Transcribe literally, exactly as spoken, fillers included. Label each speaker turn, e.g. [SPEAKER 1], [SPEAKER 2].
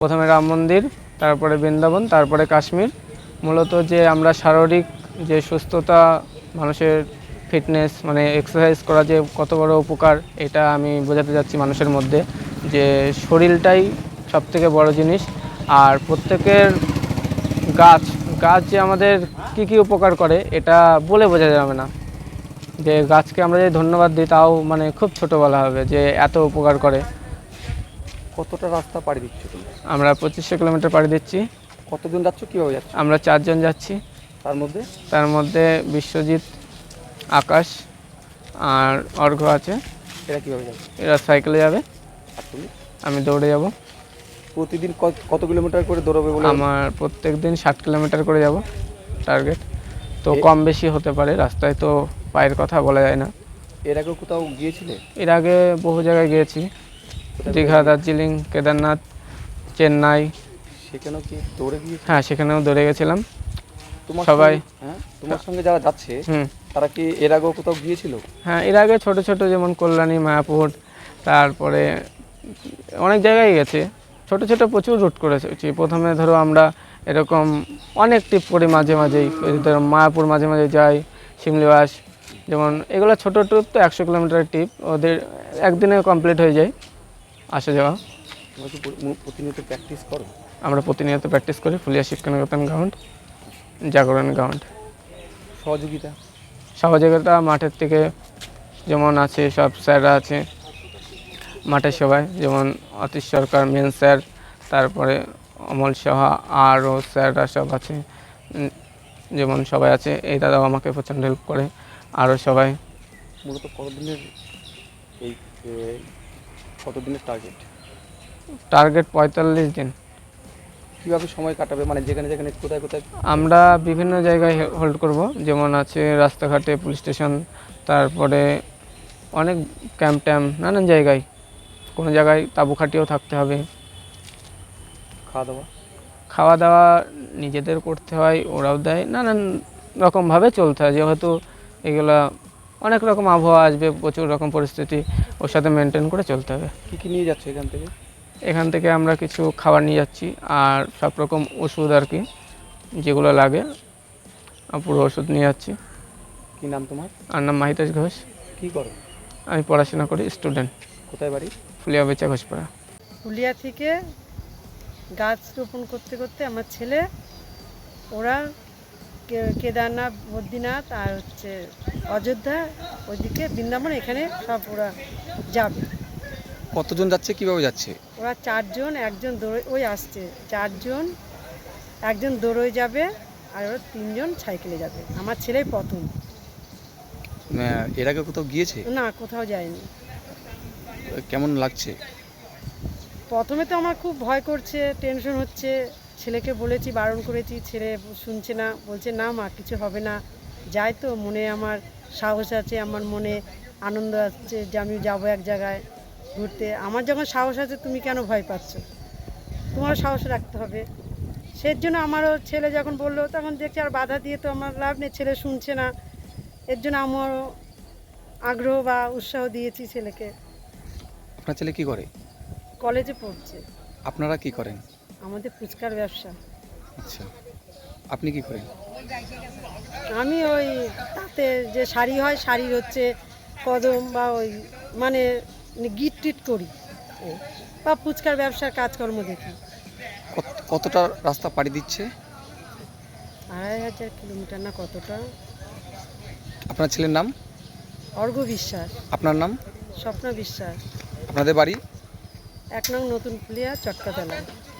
[SPEAKER 1] প্রথমে রাম মন্দির, তারপরে বৃন্দাবন, তারপরে কাশ্মীর। মূলত যে আমরা শারীরিক যে সুস্থতা, মানুষের ফিটনেস মানে এক্সারসাইজ করা যে কত বড় উপকার, এটা আমি বোঝাতে যাচ্ছি মানুষের মধ্যে, যে শরীরটাই সবথেকে বড় জিনিস। আর প্রত্যেকের গাছ গাছ যে আমাদের কী কী উপকার করে এটা বলে বোঝা যাবে না। যে গাছকে আমরা যদি ধন্যবাদ দিই তাও মানে খুব ছোট বলা হবে যে এত উপকার করে।
[SPEAKER 2] কতটা রাস্তা পাড়ি দিচ্ছ তুমি?
[SPEAKER 1] আমরা পঁচিশশো কিলোমিটার পাড়ি দিচ্ছি।
[SPEAKER 2] কতজন যাচ্ছ, কীভাবে যাচ্ছ?
[SPEAKER 1] আমরা চারজন যাচ্ছি।
[SPEAKER 2] তার মধ্যে
[SPEAKER 1] তার মধ্যে বিশ্বজিৎ, আকাশ আর অর্ঘ্য আছে।
[SPEAKER 2] এরা কীভাবে যাবে?
[SPEAKER 1] এরা সাইকেলে যাবে,
[SPEAKER 2] আর তুমি?
[SPEAKER 1] আমি দৌড়ে যাব।
[SPEAKER 2] প্রতিদিন কত কিলোমিটার করে দৌড়াবে বলে?
[SPEAKER 1] আমার প্রত্যেক দিন ষাট কিলোমিটার করে যাব টার্গেট। তো
[SPEAKER 2] এ-
[SPEAKER 1] কম বেশি হতে পারে, রাস্তায় তো পায়ের কথা বলা যায় না।
[SPEAKER 2] এর আগেও কোথাও গিয়েছিলে?
[SPEAKER 1] এর আগে বহু জায়গায় গিয়েছি,
[SPEAKER 2] কোথায়
[SPEAKER 1] দীঘা,
[SPEAKER 2] গিয়েছিলে?
[SPEAKER 1] দার্জিলিং, কেদারনাথ, চেন্নাই।
[SPEAKER 2] সেখানেও কি দৌড়ে গিয়েছিলে?
[SPEAKER 1] হ্যাঁ, সেখানেও দৌড়ে গেছিলাম।
[SPEAKER 2] তোমার
[SPEAKER 1] সবাই
[SPEAKER 2] সঙ্গে- হ্যাঁ, তোমার সঙ্গে যারা যাচ্ছে
[SPEAKER 1] হুম
[SPEAKER 2] তারা কি এর আগেও কোথাও গিয়েছিল?
[SPEAKER 1] হ্যাঁ, এর আগে ছোট ছোট যেমন কল্যাণী, মায়াপুর, তারপরে অনেক জায়গায় গেছে। ছোট ছোট প্রচুর রুট করেছি। প্রথমে ধরো আমরা এরকম অনেক ট্রিপ করি, মাঝে মাঝেই ওই ধরো মায়াপুর মাঝে মাঝে যাই, শিমলিবাস, যেমন এগুলো ছোটো ট্রিপ, তো একশো কিলোমিটারের ট্রিপ ওদের একদিনে কমপ্লিট হয়ে যায় আসা যাওয়া।
[SPEAKER 2] তোমরা কি প্র- প্রতিনিয়ত প্র্যাকটিস করো?
[SPEAKER 1] আমরা প্রতিনিয়ত প্র্যাকটিস করি ফুলিয়া শিক্ষানিকেতন গ্রাউন্ড, জাগরণ গ্রাউন্ড।
[SPEAKER 2] সহযোগিতা?
[SPEAKER 1] সহযোগিতা মাঠের থেকে যেমন আছে, সব স্যাররা আছে মাঠের সবাই, যেমন অতীশ সরকার মেন স্যার, তারপরে অমল সাহা, আরও স্যাররা সব আছে। উম, যেমন সবাই আছে, এই দাদাও আমাকে প্রচণ্ড হেল্প করে, আরও সবাই।
[SPEAKER 2] মূলত কতদিনের এই এ, কতদিনের টার্গেট?
[SPEAKER 1] টার্গেট পঁয়তাল্লিশ দিন।
[SPEAKER 2] কীভাবে সময় কাটাবে, মানে যেখানে যেখানে কোথায় কোথায়?
[SPEAKER 1] আমরা বিভিন্ন জায়গায় হোল্ড করব, যেমন আছে রাস্তাঘাটে, পুলিশ স্টেশন, তারপরে অনেক ক্যাম্প ট্যাম্প, নানান জায়গায়। কোনো জায়গায় তাঁবু খাটিয়েও থাকতে হবে।
[SPEAKER 2] খাওয়া দাওয়া?
[SPEAKER 1] খাওয়া দাওয়া নিজেদের করতে হয়, ওরাও দেয়, নানান রকমভাবে চলতে হয়, যেহেতু এগুলা অনেক রকম আবহাওয়া আসবে, প্রচুর রকম পরিস্থিতি, ওর সাথে মেনটেন করে চলতে হবে।
[SPEAKER 2] কী কী নিয়ে যাচ্ছ এখান থেকে?
[SPEAKER 1] এখান থেকে আমরা কিছু খাবার নিয়ে যাচ্ছি, আর সব রকম ওষুধ আর কি যেগুলো লাগে, পুরো ওষুধ নিয়ে যাচ্ছি।
[SPEAKER 2] কী নাম তোমার?
[SPEAKER 1] আর নাম মাহিতেশ ঘোষ।
[SPEAKER 2] কী করো?
[SPEAKER 1] আমি পড়াশোনা করি, স্টুডেন্ট।
[SPEAKER 2] কোথায় বাড়ি?
[SPEAKER 1] ফুলিয়া বেচা ঘোষপাড়া।
[SPEAKER 3] ফুলিয়া থেকে গাছ রোপণ করতে করতে আমার ছেলে, ওরা কে- কেদারনাথ, বদ্রীনাথ আর হচ্ছে অযোধ্যা, ওইদিকে বৃন্দাবন, এখানে সব ওরা যাবে।
[SPEAKER 2] কতজন যাচ্ছে, কীভাবে যাচ্ছে?
[SPEAKER 3] ওরা চারজন, একজন দৌড়ে ওই আসছে, চারজন, একজন দৌড়ে যাবে আর ওরা তিনজন সাইকেলে যাবে। আমার ছেলেই প্রথম।
[SPEAKER 2] এর আগে কোথাও গিয়েছে?
[SPEAKER 3] না, কোথাও যায়নি।
[SPEAKER 2] কেমন লাগছে?
[SPEAKER 3] প্রথমে তো আমার খুব ভয় করছে, টেনশন হচ্ছে। ছেলেকে বলেছি, বারণ করেছি, ছেলে শুনছে না, বলছে না মা কিছু হবে না। যাই তো, মনে আমার সাহস আছে, আমার মনে আনন্দ আছে যে আমি যাবো এক জায়গায় ঘুরতে। আমার যখন সাহস আছে, তুমি কেন ভয় পাচ্ছ? তোমারও সাহস রাখতে হবে। সেই জন্য আমারও ছেলে যখন বললো, তখন দেখছি আর বাধা দিয়ে তো আমার লাভ নেই, ছেলে শুনছে না। এর জন্য আমারও আগ্রহ বা উৎসাহ দিয়েছি ছেলেকে।
[SPEAKER 2] আপনার ছেলে কি করে?
[SPEAKER 3] কলেজে পড়ছে।
[SPEAKER 2] আপনারা কি করেন?
[SPEAKER 3] আমাদের ফুচকার ব্যবসা।
[SPEAKER 2] আচ্ছা, আপনি কি করেন?
[SPEAKER 3] আমি ওই তাতে যে শাড়ি হয়, শাড়ির হচ্ছে কদম বা ওই মানে গিট টিট করি, এই। বা ফুচকার ব্যবসার কাজকর্ম দেখি।
[SPEAKER 2] কত- কতটা রাস্তা পাড়ি দিচ্ছে?
[SPEAKER 3] আড়াই হাজার কিলোমিটার না কতটা।
[SPEAKER 2] আপনার ছেলের নাম?
[SPEAKER 3] অর্ঘ্য বিশ্বাস।
[SPEAKER 2] আপনার নাম?
[SPEAKER 3] স্বপ্না বিশ্বাস।
[SPEAKER 2] আপনাদের বাড়ি?
[SPEAKER 3] এক নং নতুন ফুলিয়া, চটকাতলা।